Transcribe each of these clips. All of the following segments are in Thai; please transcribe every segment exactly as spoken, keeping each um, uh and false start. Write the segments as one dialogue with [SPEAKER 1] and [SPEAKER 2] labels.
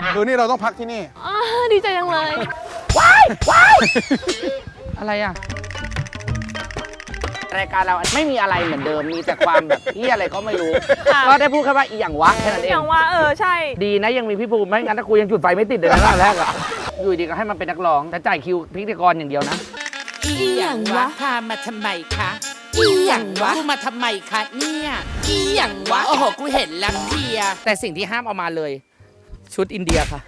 [SPEAKER 1] คืนนี้เราต้องพักที่นี่
[SPEAKER 2] ดีใจจังเลย
[SPEAKER 3] ว้ายว้ายอะไรอ่ะรายการเราไม่มีอะไรเหมือนเดิมมีแต่ความแบบที่อะไรก็ไม่รู้ก็ได้พูดแค่ว่าอีหยังวะแค่นั้นเอง
[SPEAKER 2] อย่างว่าเออใช่
[SPEAKER 3] ดีนะยังมีพี่ภูมิไม่งั้นถ้ากูยังจุดไฟไม่ติดเลยนะแรกอ่ะอยู่ดีก็ให้มันเป็นนักร้องแต่จ่ายคิวพิธีกรอย่างเดียวนะ
[SPEAKER 4] อีหยังวะพามาทำไมคะอีหยังวะกูมาทำไมคะเนี่ยอีหยังวะโอ้โหกูเห็นแล้วเพีย
[SPEAKER 3] แต่สิ่งที่ห้ามเอามาเลยชุดอินเดียค่ะ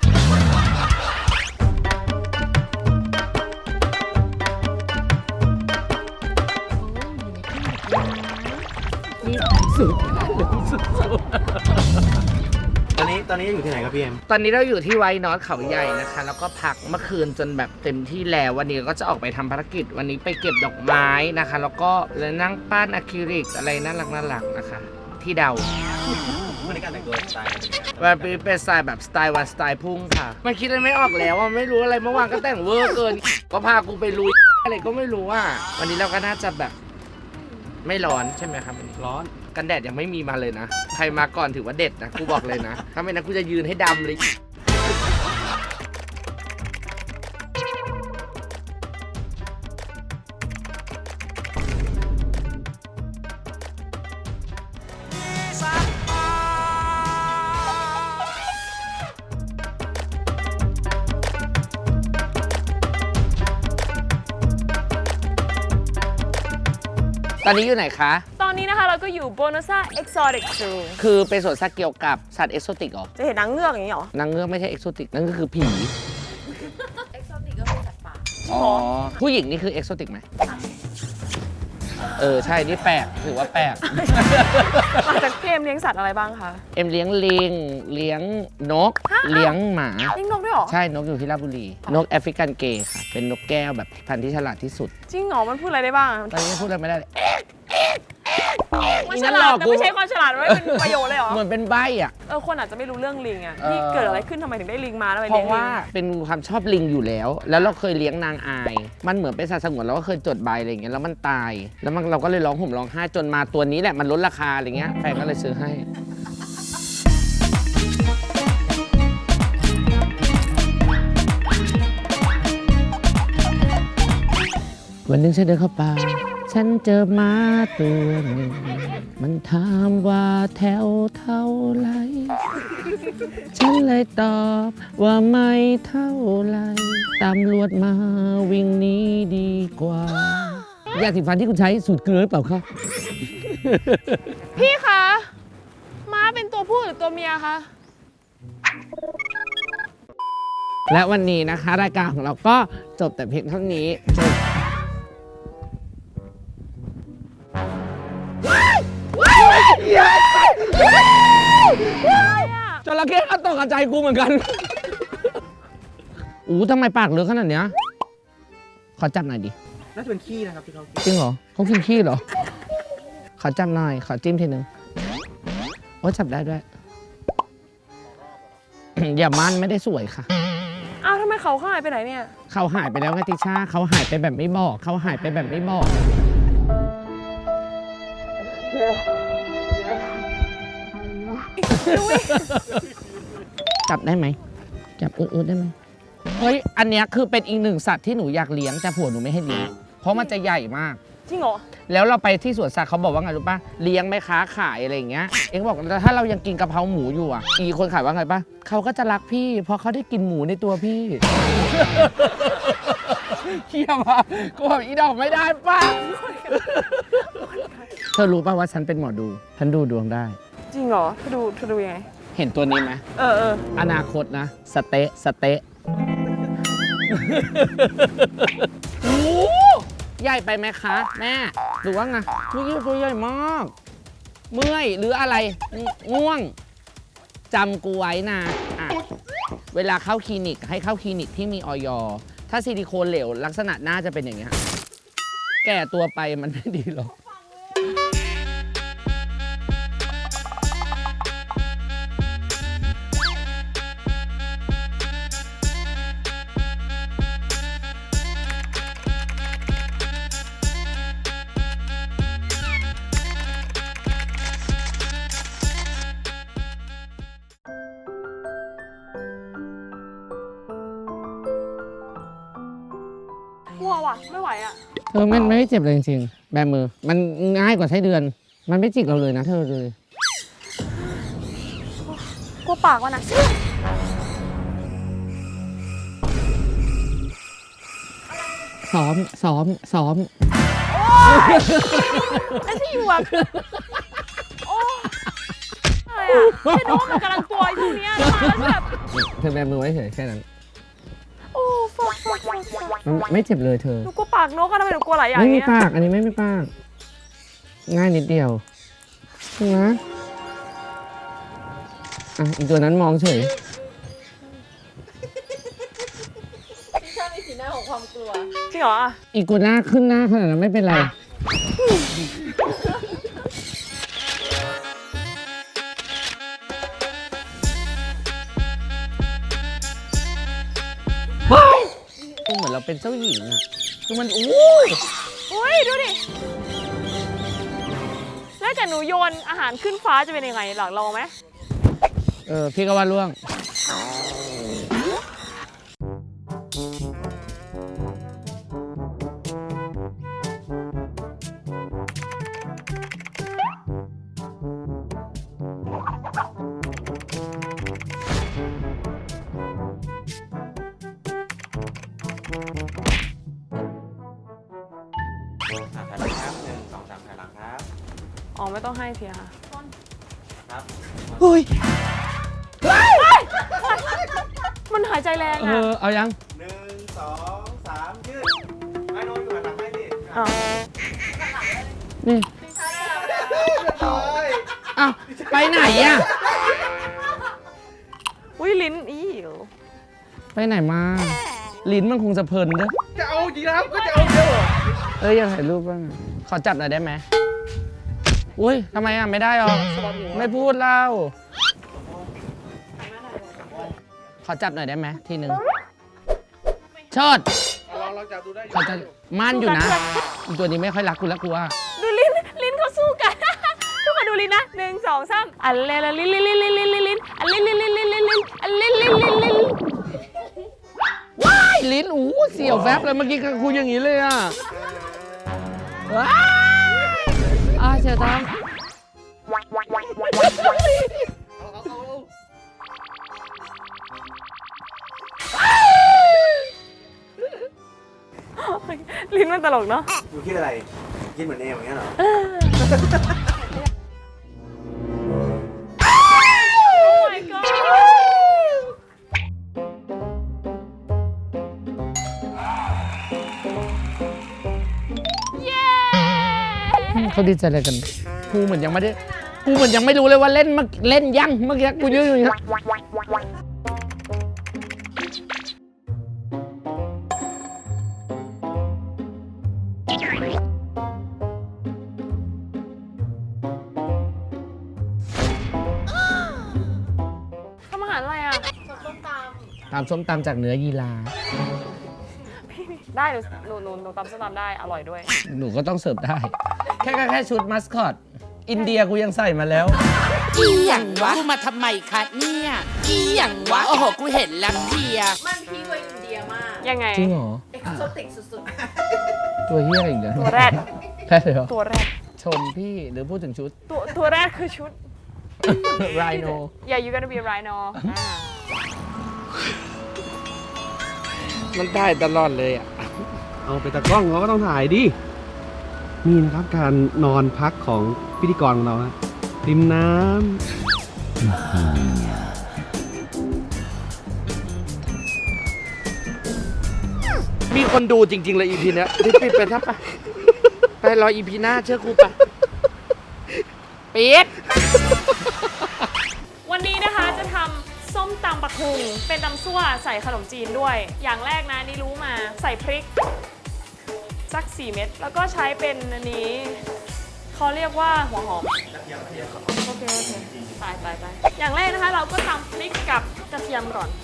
[SPEAKER 3] สุดสุด
[SPEAKER 5] ตอนนี้ตอนนี้อยู่ที่ไหนครับพี่เอ็ม
[SPEAKER 3] ตอนนี้เราอยู่ที่ไวท์นอตเขาใหญ่นะคะแล้วก็พักเมื่อคืนจนแบบเต็มที่แล้ววันนี้ก็จะออกไปทำภารกิจวันนี้ไปเก็บดอกไม้นะคะแล้วก็เลยนั่งปั้นอะคริลิกอะไรน่ารักน่ารักนะคะที่เดา
[SPEAKER 5] วันนี้การแต่งตัวสไตล์
[SPEAKER 3] วันนี้เป็นสไตล์แบบสไตล์วันสไตล์พุ่งค่ะไม่คิดอะไรไม่ออกแล้วว่าไม่รู้อะไรเมื่อวานก็แต่งเวอร์เกินก็พากูไปลุยอะไรก็ไม่รู้ว่าวันนี้เราก็น่าจะแบบไม่ร้อนใช่ไหมครับวันนี้
[SPEAKER 5] ร้อน
[SPEAKER 3] กันแดดยังไม่มีมาเลยนะใครมาก่อนถือว่าเด็ดนะกูบอกเลยนะถ้าไม่นั้นกูจะยืนให้ดำเลยตอนนี้อยู่ไหนคะ
[SPEAKER 2] ตอนนี้นะคะเราก็อยู่โบนัสซ่าเอ็กโซติกซู
[SPEAKER 3] คือเป็นสวนสัตว์เกี่ยวกับสัตว์เอ็กโซติกเหรอ
[SPEAKER 2] จะเห็นนางเงือกอย่างนี้เหร
[SPEAKER 3] อนางเงือกไม่ใช่เอ็กโซติกนั่นก็คือผีเอ็กโซติกก็คือสัตว์ป่าอ๋อผู้หญิงนี่คือเอ็กโซติกไหมเออใช่นี่แปลกถือว่าแปลก
[SPEAKER 2] มาจากเกมเลี้ยงสัตว์อะไรบ้างคะ
[SPEAKER 3] เอ็มเลี้ยงลิงเลี้ยงนกเลี้ยงหมา
[SPEAKER 2] เลี้ยงนกด้วยหรอ
[SPEAKER 3] ใช่นกอยู่ที่ราชบุรีนกแอฟริกันเกย์ค่ะเป็นนกแก้วแบบพันธุ์ที่ฉลาดที่สุด
[SPEAKER 2] จริงเหรอมันพูดอะไรได้บ้าง
[SPEAKER 3] ตอนนี้พูดอะไรไม่ได้
[SPEAKER 2] มันฉลาดแต่ไม่ใช่ความฉลาดว่าเป็นประโยชน์เลยเหรอ
[SPEAKER 3] เหมือนเป็นใบอ่ะ
[SPEAKER 2] เออคนอาจจะไม่รู้เรื่องลิงอ่ะที่เกิดอะไรขึ้นทำไมถึงได้ลิงมาแล้วไป
[SPEAKER 3] เพราะว่าเป็นความชอบลิงอยู่แล้วแล้วเราเคยเลี้ยงนางอายมันเหมือนเป็นสัตว์สงวนเราก็เคยจดใบอะไรอย่างเงี้ยแล้วมันตายแล้วมันเราก็เลยร้องห่มร้องไห้จนมาตัวนี้แหละมันลดราคาอะไรเงี้ยแฟนก็เลยซื้อให้วันหนึ่งฉันเดินเข้าป่าฉันเจอม้าตัวหนึ่งมันถามว่าแถวเท่าไรฉันเลยตอบว่าไม่เท่าไรตำรวจมาวิ่งหนีดีกว่ายาสีฟันที่คุณใช้สูตรเกลือหรือเปล่าคะ
[SPEAKER 2] พี่คะม้าเป็นตัวผู้หรือตัวเมียคะ
[SPEAKER 3] และวันนี้นะคะรายการของเราก็จบแต่เพียงเท่านี้จระเข้ก็ตกใจกูเหมือนกันอู้ทำไมปากเลือกขนาดเนี้ยขอจับหน่อยดิ
[SPEAKER 5] น่าจะเป็นขี้นะครับที่เขา
[SPEAKER 3] จริงเหรอเขากินขี้เหรอขอจับหน่อยขอจิ้มทีนึงโอ้จับได้ด้วย อย่ามันไม่ได้สวยค่ะ
[SPEAKER 2] อ้าวทำไมเขาหายไปไหนเนี่ย
[SPEAKER 3] เขาหายไปแล้วไงติช่าเขาหายไปแบบไม่บอกเขาหายไปแบบไม่บอกจับได้ไหมจับอืดๆได้ไหมเฮ้ยอันเนี้ยคือเป็นอีกหนึ่งสัตว์ที่หนูอยากเลี้ยงแต่ผัวหนูไม่ให้เลี้ยงเพราะมันจะใหญ่มาก
[SPEAKER 2] จริงเหรอ
[SPEAKER 3] แล้วเราไปที่สวนสัตว์เขาบอกว่าไงรู้ป่ะเลี้ยงไหมค้าขายอะไรอย่างเงี้ยเอ็งบอกถ้าเรายังกินกะเพราหมูอยู่อ่ะอีคนขายว่าไงป่ะเขาก็จะรักพี่เพราะเขาได้กินหมูในตัวพี่เขี้ยวอ่ะกูบอกอีดอกไม่ได้ป่ะเธอรู้ป่ะว่าฉันเป็นหมอดูฉันดูดวงได้
[SPEAKER 2] จริงเหรอเธอดูเธอดูยังไง
[SPEAKER 3] เห็นตัวนี้ไหม
[SPEAKER 2] เออเออ
[SPEAKER 3] อนาคตนะสเต๊ะสเต๊ะโอ้ใหญ่ไปไหมคะแม่หรือว่าไงนี่ตัวใหญ่มากเมื่อยหรืออะไรง่วงจำกูไว้นะอ่ะเวลาเข้าคลินิกให้เข้าคลินิกที่มีอย.ถ้าซิลิโคนเหลวลักษณะหน้าจะเป็นอย่างเงี้ยแก่ตัวไปมันไม่ดีหรอก
[SPEAKER 2] กลัวว่ะไม่ไหวอ่ะ
[SPEAKER 3] เธอมันไม่เจ็บเลยจริงๆแบมือ มันง่ายกว่าใช้เดือน มันไม่จิกเราเลยนะเธอเลย
[SPEAKER 2] กลัวปากมันนะ
[SPEAKER 3] ซ้อม ซ้อม ซ้อม
[SPEAKER 2] ไอ้ที่อยู่แบบโอ้อะไรอ่ะไม่รู้ว่ามันกำลังกลัวไอ้พวกเนี้ยมาแล้วแบบ
[SPEAKER 3] เธอแบมือไว้เฉยแค่นั้น
[SPEAKER 2] โอ้ฟักฟักฟักฟัก
[SPEAKER 3] มันไม่เจ็บเลยเธอ
[SPEAKER 2] หนูกลัวปากนกอะทำไมหนูกลัวหลายอย่าง
[SPEAKER 3] ไม่มี
[SPEAKER 2] เนี้ย
[SPEAKER 3] ปาก อันนี้ไม่มีปาก ง่ายนิดเดียวนะอ่ะอีกตัวนั้นมองเฉย
[SPEAKER 2] จริงเหรออ่ะ
[SPEAKER 3] อีกตัวหน้าขึ้นหน้าขนาดนั้นไม่เป็นไร ก็เหมือนเราเป็นเจ้าหญิงอะคือมันอู้
[SPEAKER 2] โอ้ยดูดิแล้วแต่หนูโยนอาหารขึ้นฟ้าจะเป็นยังไงหลังลองไหม
[SPEAKER 3] เออ พี่ก็ว่าล่วง
[SPEAKER 5] อ่ะถ่ายหลังครับหนึ่งสองสามถ่ายหลังครับ
[SPEAKER 2] อ๋อไม่ต้องให้เสียค่ะ
[SPEAKER 5] ครับ
[SPEAKER 3] เฮ้ย
[SPEAKER 2] มันหายใจแรง
[SPEAKER 3] เอ
[SPEAKER 2] อ่ะ
[SPEAKER 3] อ เอายัง
[SPEAKER 5] หนึ่งสองสามยืดไอ้โน้ตอยู่หันหลังให้ดิ
[SPEAKER 2] อ้าว
[SPEAKER 3] นี่
[SPEAKER 5] โอ้ย
[SPEAKER 3] อ้าว ไปไหนอะ
[SPEAKER 2] อุ้ยลิ้นอี๋
[SPEAKER 3] ไปไหนมา ลิ้นมันคงจะเพลินเด้อ
[SPEAKER 5] จะเอาจริงนะครับก็จะเอาเดียวเหรอ
[SPEAKER 3] เอ้ยอยากถ่ายรูปบ้างอะขอจับหน่อยได้ไหมอุ้ยทำไมอ่ะ ไม่ได้หรอ ไม่พูดเล่า ขอจับหน่อยได้ไหมทีหนึ่งเชิด
[SPEAKER 5] ลองลองจับดูได้
[SPEAKER 3] ขอจะมั่นอยู่นะอีกตัวนี้ไม่ค่อยรักกูแล้วกูว่า
[SPEAKER 2] ดูลิ้นลิ้นเขาสู้กัน ทุกคนดูลิ้นนะหนึ่งสองสามอันเลนลิ้นลิ้นลิ้นลิ้นลิ้นลิ้นลิ้นอันลิ้นลิ้นลิ้นลิ้นลิ้นลิ้นอันลิ้นลิ้นลิ้นลิ้น
[SPEAKER 3] ว้ายลิ้นอู้เสียวแฟบเลยเมื่อกี้คุยอย่างนี้เลยอ่ะว้ายอ่าเสียวท้อง
[SPEAKER 2] ลิ้นมันตลกเนาะ
[SPEAKER 5] ดูคิดอะไร คิดเหมือนเอมอย่างเงี้ยเหรอ
[SPEAKER 2] Oh my god เย้
[SPEAKER 3] เขาดีใจอะไรกันกูเหมือนยังไม่ได้กูเหมือนยังไม่รู้เลยว่าเล่นมาเล่นยังเมื่อกี้กูยืนอยู่อย่างนี้
[SPEAKER 2] ทำอาหารอะไรอ่ะ
[SPEAKER 3] ตามส้มตำจากเนื้อยีราฟ
[SPEAKER 2] ได้หนูหนูหนูหนูตำส้มตำได้อร่อยด้วย
[SPEAKER 3] หนูก็ต้องเสิร์ฟได้ แค่แค่แค่ชุดมัสคอต อินเดียกูยังใส่มาแล้ว
[SPEAKER 4] อีหยังวะ กูมาทำไมคะเนี่ย อีหยังวะ โอ้โห กูเห็นแล้วเพลีย
[SPEAKER 1] มันพีกว่าอินเดียมาก
[SPEAKER 2] ยังไง
[SPEAKER 3] จริงเหรอ
[SPEAKER 1] เอกโซติกสุด
[SPEAKER 3] ตัวเฮียอะไรอีกเนี่ย
[SPEAKER 2] ตัวแรด
[SPEAKER 3] แค่เลยเหรอ
[SPEAKER 2] ตัวแรด
[SPEAKER 3] ชมพี่หรือพูดถึงชุด
[SPEAKER 2] ตัวตัวแรกคือชุด
[SPEAKER 3] ไรโน
[SPEAKER 2] Yeah you gonna be a rhino อ่า
[SPEAKER 3] มันได้ตลอดเลยอ่ะ
[SPEAKER 5] เอาไปตากล้องเราก็ต้องถ่ายดิ นี่นะครับการนอนพักของพิธีกรของเรานะริมน้ำ
[SPEAKER 3] มีคนดูจริง ๆ เลย อี พี เนี้ยรีบปิดไปทับไปไปรอ อี พี หน้าเชื่อครูไปปิด
[SPEAKER 2] วันนี้นะคะจะทำส้มตำปะคุงเป็นตำซั่วใส่ขนมจีนด้วย อย่างแรกนะนี่รู้มาใส่พริกสักสี่เม็ดแล้วก็ใช้เป็นอันนี้เขาเรียกว่าหัวหอมโอเคโอเคตายตายตายอย่างแรกนะคะเราก็ตำพริกกับกระเทียมก่อน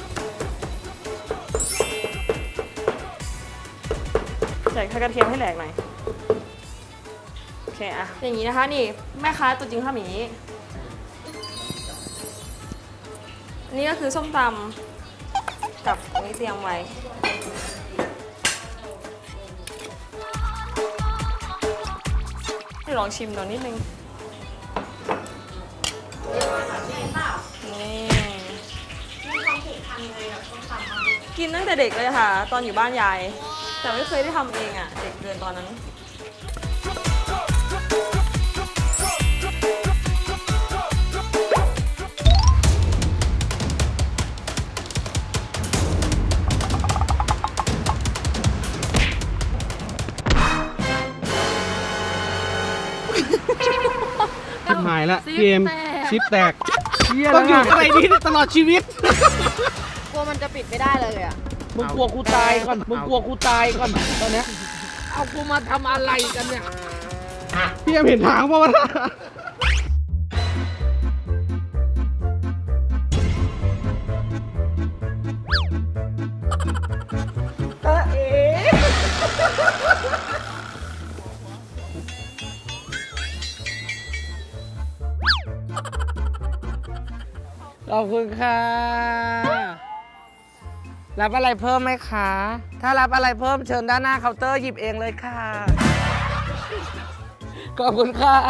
[SPEAKER 2] ใส่กระเทียมให้แหลกหน่อยโอเคอะอย่างนี้นะคะนี่แม่ค้าตัวจริงทำอย่างนี้อันนี่ก็คือส้มตำกับอันนี้เตรียมไว้ให้ลองชิมดูนิดนึง นี่กินตั้งแต่เด็กเลยค่ะ ตอนอยู่บ้านยาย แต่ไม่เคยได้ทำเองอ่ะ เด็กเกินตอนนั้น
[SPEAKER 5] ชิบหายละพี่เอ็มชิปแตก
[SPEAKER 3] เหี้ย
[SPEAKER 5] ต้องอยู่
[SPEAKER 3] แล้ว
[SPEAKER 5] อะไรนี้ตลอดชีวิต
[SPEAKER 1] กลัวมันจะปิดไม่ได้เลยอ่ะ
[SPEAKER 3] มึงกลัวกูตายก่อน มึงกลัวกูตายก่อนตอนเนี้ยเอากูมาทำอะไรกันเนี่ย
[SPEAKER 5] พี่เอ็มเห็นทางป่าวะ
[SPEAKER 3] ขอบคุณค่ะ รับอะไรเพิ่มไหมคะ ถ้ารับอะไรเพิ่มเชิญด้านหน้าเคาน์เตอร์หยิบเองเลยค่ะ ขอบคุณค่ะ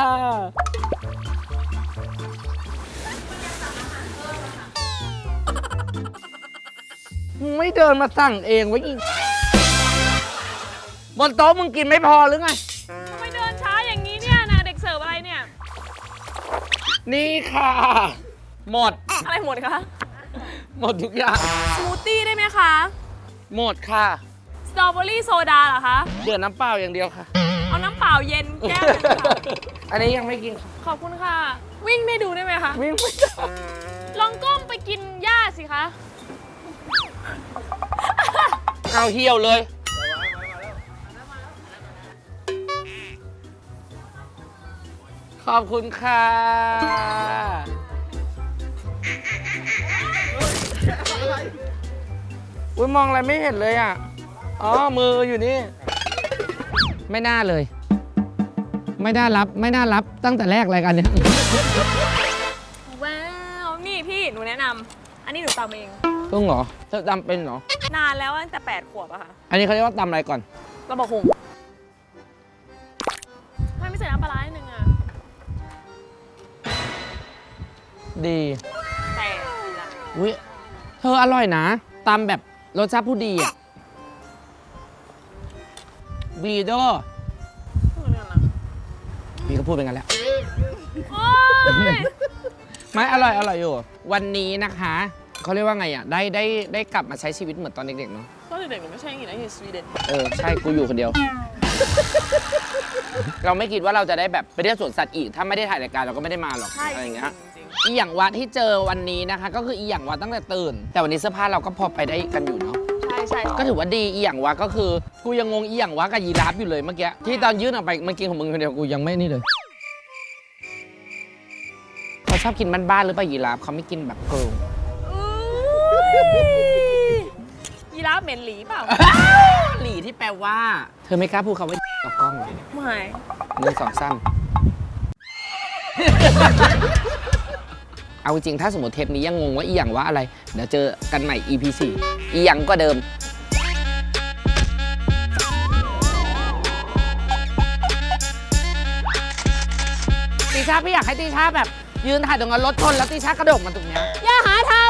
[SPEAKER 3] มึงไม่เดินมาสั่งเองไว้อีกบนโต๊ะมึงกินไม่พอหรือไง
[SPEAKER 2] ทำไมเดินช้าอย่างนี้เนี่ยนะเด็กเสิร์ฟอะไรเนี่ย
[SPEAKER 3] นี่ค่ะ หมด
[SPEAKER 2] อะไรหมดคะ
[SPEAKER 3] หมดทุกอย่าง
[SPEAKER 2] สมูทตี้ได้ไหมคะ
[SPEAKER 3] หมดค่ะ
[SPEAKER 2] สตรอเบอรี่โซดาเหรอคะ
[SPEAKER 3] เดือดน้ำเปล่าอย่างเดียวค่ะ
[SPEAKER 2] เอาน้ำเปล่าเย็นแก้วหนึงค่ะ
[SPEAKER 3] อันนี้ยังไม่กินค่ะ
[SPEAKER 2] ขอบคุณค่ะ วิ่งไม่ดูได้ไหมคะ
[SPEAKER 3] วิ่งไม่ได้
[SPEAKER 2] ลองก้มไปกินหญ้าสิคะ
[SPEAKER 3] เอาเหี่ยวเลย ขอบคุณค่ะอุ้ยมองอะไรไม่เห็นเลยอ่ะ อ๋อ มืออยู่นี่ ไม่น่าเลย ไม่น่ารับ ไม่น่ารับตั้งแต่แรกรายการเนี้ย
[SPEAKER 2] ว้าว นี่พี่หนูแนะนำ อันนี้หนูตำเอง
[SPEAKER 3] ต้องเหรอเธอตำเป็นเหรอ
[SPEAKER 2] นานแล้วตั้งแต่แปดขวบอะค่ะ
[SPEAKER 3] อันนี้เขาเรียกว่าตำอะไรก่อน
[SPEAKER 2] เราบอกหงทำไมไม่ใส่น้ำปลาร้านิดนึงอะ
[SPEAKER 3] ดี
[SPEAKER 2] แต่ดีละ
[SPEAKER 3] อุ้ยเธออร่อยนะตำแบบรสชาติผู้ดีอ่ะดีเด้อ
[SPEAKER 2] พูดกันนะ
[SPEAKER 3] พี่ก็พูดเป็นกันแล้ว
[SPEAKER 2] โอ๊ย
[SPEAKER 3] ไม่อร่อยอร่อยอยู่ วันนี้นะคะเขาเรียกว่าไงอ่ะ ได้ได้ได้กลับมาใช้ชีวิตเหมือนตอนเด็กๆเนาะ
[SPEAKER 2] ตอนเด็กๆหนูไม่ใช่อย่างนี้นะอยู่สวีเดน
[SPEAKER 3] เออ ใช่ กูอยู่คนเดียว เราไม่คิดว่าเราจะได้แบบไปเที่ยวสวนสัตว์อีก ถ้าไม่ได้ถ่ายรายการเราก็ไม่ได้มาหรอก
[SPEAKER 2] ใช่
[SPEAKER 3] อะไรอย่างเงี้ย
[SPEAKER 2] จริง
[SPEAKER 3] อีหยังวะที่เจอวันนี้นะคะ ก็คืออีหยังวะตั้งแต่ตื่น แต่วันนี้เสื้อผ้าเราก็พอไปได้กันอยู่เนาะ
[SPEAKER 2] ๆใช่ใช่
[SPEAKER 3] ก็ถือว่าดีอีหยังวะก็คือกูยังงงอีหยังวะกับยีราฟอยู่เลยเมื่อกี้ที่ตอนยื่นออกไปมันกินของมึงคนเดียวกูยังไม่นี่เลยเขาชอบกินบ้านๆหรือเปล่ายีราฟเขาไม่กินแบบเกิร์ล
[SPEAKER 2] ยีราฟเหม็นหลีเปล่า
[SPEAKER 3] หลีที่แปลว่า เธอไม่กล้าพูดคำว่ากับกล้องเหรอ
[SPEAKER 2] ไม่
[SPEAKER 3] หนึ่งสองสามเอาจริงๆถ้าสมมติเทปนี้ยังงงว่าอีหยังวะอะไรเดี๋ยวเจอกันใหม่ อี พี สี่อีหยังก็เดิมตีชาพี่อยากให้ตีชาแบบยืนถ่ายตรงนั้นรถชนแล้วตีชากระโดดมาตรงเนี้ย
[SPEAKER 2] อย่าหาทำ